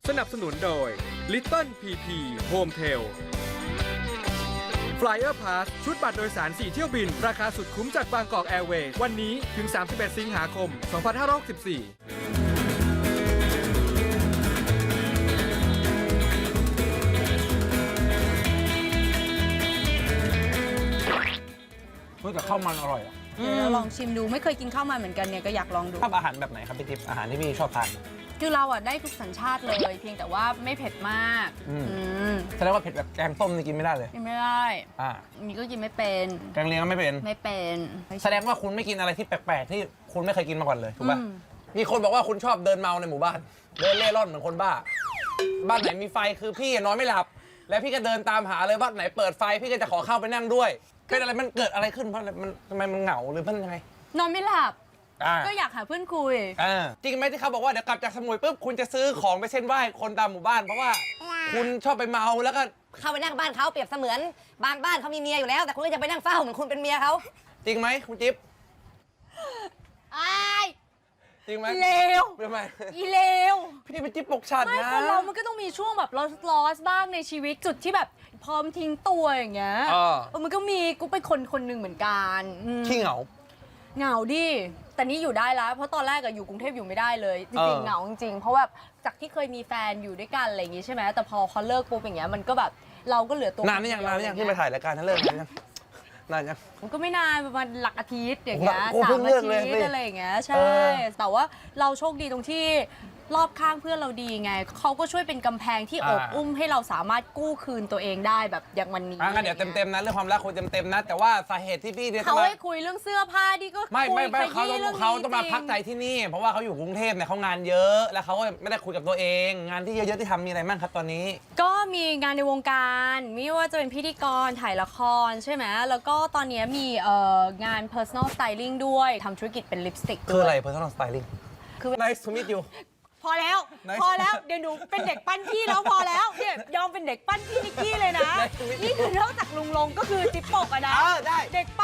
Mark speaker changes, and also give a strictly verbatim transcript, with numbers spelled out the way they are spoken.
Speaker 1: สนับสนุนโดย Little พี พี Home Tail Flyer Pass ชุดบัตรโดยสารสี่เที่ยวบินราคาสุดคุ้มจากบางกอกแอร์เวย์วันนี้ถึงสามสิบเอ็ดสิงหาคมสองพันห้าร้อยหกสิบสี่
Speaker 2: เฮ้ยแต่ข้าวมันอร่อยอ่ะ
Speaker 3: เดี๋ยวเราลองชิมดูไม่เคยกินข้าวมันเหมือนกันเนี่ยก็อยากลองดู
Speaker 2: ชอบอาหารแบบไหนครับพี่ทิพย์อาหารที่พี่ชอบทาน
Speaker 3: คือเราอ่ะได้ทุกสัญชาติเลยเพียงแต่ว่าไม่เผ็ดมาก
Speaker 2: อืม
Speaker 3: อืม
Speaker 2: แสดงว่าเผ็ดแบบแกงต้มนี่กินไม่ได้เลย
Speaker 3: กินไม่ได้
Speaker 2: อ่า
Speaker 3: มีก็กินไม่เป็น
Speaker 2: แกงเลียงก็ไม่เป็น
Speaker 3: ไม่เป็น
Speaker 2: แสดงว่าคุณไม่กินอะไรที่แปลกๆที่คุณไม่เคยกินมาก่อนเลยถูกป่ะ
Speaker 3: อืม
Speaker 2: มีคนบอกว่าคุณชอบเดินเมาในหมู่บ้าน เดินเล่ร่อนเหมือนคนบ้า บ้านไหนมีไฟคือพี่นอนไม่หลับ แล้วพี่ก็เดินตามหาเลยบ้านไหนเปิดไฟพี่ก็จะขอเข้าไปนั่งด้วยเป็นอะไรมันเกิดอะไรขึ้นเพราะอะไรมันทำไมมันเหงาหรือมันยังไง
Speaker 3: นอนไม่หลับ
Speaker 2: อ่า
Speaker 3: ก็อยากหาเพื่อนคุย
Speaker 2: อ่าจริงไหมที่เขาบอกว่าเดี๋ยวกลับจากสมุยปุ๊บคุณจะซื้อของไปเส้นไหว้คนตามหมู่บ้านเพราะว่าคุณชอบไปเมาแล้วก็
Speaker 4: เข้าไปนั่งบ้านเขาเปรียบเสมือนบางบ้านเขามีเมียอยู่แล้ว แต่คุณก็จะไปนั่งเฝ้าเหมือนคุณเป็นเมียเขา
Speaker 2: จริงไหมคุณจิ๊บ
Speaker 3: อาย
Speaker 2: จริงไหม
Speaker 3: เลว
Speaker 2: ทำไม
Speaker 3: อีเลว
Speaker 2: พี่เป็นจิ๊บปกฉัด
Speaker 3: ไม่
Speaker 2: นะ
Speaker 3: คนเรามันก็ต้องมีช่วงแบบลอสลอสบ้างในชีวิตจุดที่แบบพร้อมทิ้งตัวอย่างเงี้ย
Speaker 2: เออ
Speaker 3: เออมันก็มีกูเป็นคนคนหนึ่งเหมือนกันอืม
Speaker 2: ขี้เหงา
Speaker 3: เหงาดิ แต่นี่อยู่ได้แล้ว เพราะตอนแรกอะอยู่กรุงเทพอยู่ไม่ได้เลย จ
Speaker 2: เอ
Speaker 3: ริง
Speaker 2: อ
Speaker 3: ๆเหงาจริงๆ เพราะแบบจากที่เคยมีแฟนอยู่ด้วยกันอะไรอย่างงี้ใช่ไหมแต่พอเขาเลิกปุ๊บอย่างเงี้ยมันก็แบบเราก็เหลือตัว
Speaker 2: นานนี่ยังนานนี่ยังที่มาถ่ายรายการนั่นเลิกนานยังนานยัง
Speaker 3: มันก็ไม่นานประมาณหลักอาทิตย์อย่างเงี้ย
Speaker 2: โอ้โห
Speaker 3: สา
Speaker 2: เพิ่
Speaker 3: ม
Speaker 2: ง
Speaker 3: อา
Speaker 2: เลิก
Speaker 3: ทิ
Speaker 2: เลย
Speaker 3: ต
Speaker 2: สิ
Speaker 3: ย์อะไรอย่างเงี้ยใช่
Speaker 2: เออ
Speaker 3: แต่ว่าเราโชคดีตรงที่รอบข้างเพื่อนเราดีไงเขาก็ช่วยเป็นกำแพงที่อบอุ้มให้เราสามารถกู้คืนตัวเองได้แบบอย่างวันนี้
Speaker 2: อ่ะงั้นเดี๋ยวเต็มๆนะเรื่องความรักคุยเต็มๆนะ แต่ว่าสาเหตุที่พี่เนี่ยจะ
Speaker 3: เขา
Speaker 2: มา
Speaker 3: ให้คุยเรื่องเสื้อผ้าดีก็
Speaker 2: ไม่ไม่ไม่
Speaker 3: คุ
Speaker 2: เขา
Speaker 3: ย
Speaker 2: ต้อง
Speaker 3: ขยี้
Speaker 2: เขา
Speaker 3: รื่
Speaker 2: ต้องมา
Speaker 3: จริ
Speaker 2: พักใจที่นี่ เพราะว่าเขาอยู่กรุงเทพเนี่ยเขางานเยอะแล้วเขาก็ไม่ได้คุยกับตัวเอง งานที่เยอะๆที่ทำมีอะไรบ้างครับตอนนี้
Speaker 3: ก็มีงานในวงการไม่ว่าจะเป็นพิธีกรถ่ายละครใช่ไหมแล้วก็ตอนนี้มีเอ่องาน personal styling ด้วยทำธุรกิจเป็นลิปสติก
Speaker 2: คืออะไร personal styling
Speaker 3: คือ
Speaker 2: nice to meet you
Speaker 3: พอแล้ว
Speaker 2: Nice
Speaker 3: พอแล้ว เดี๋ยวหนูเป็นเด็กปั้นพี่แล้วพอแล้วเนี่ยยอมเป็นเด็กปั้นพี่นิกกี้เลยนะ
Speaker 2: Nice to meet you
Speaker 3: นี่คือนอกจากลุงลงก็คือจิ๊บปกอะนะ
Speaker 2: เออได้
Speaker 3: เด็กปั้น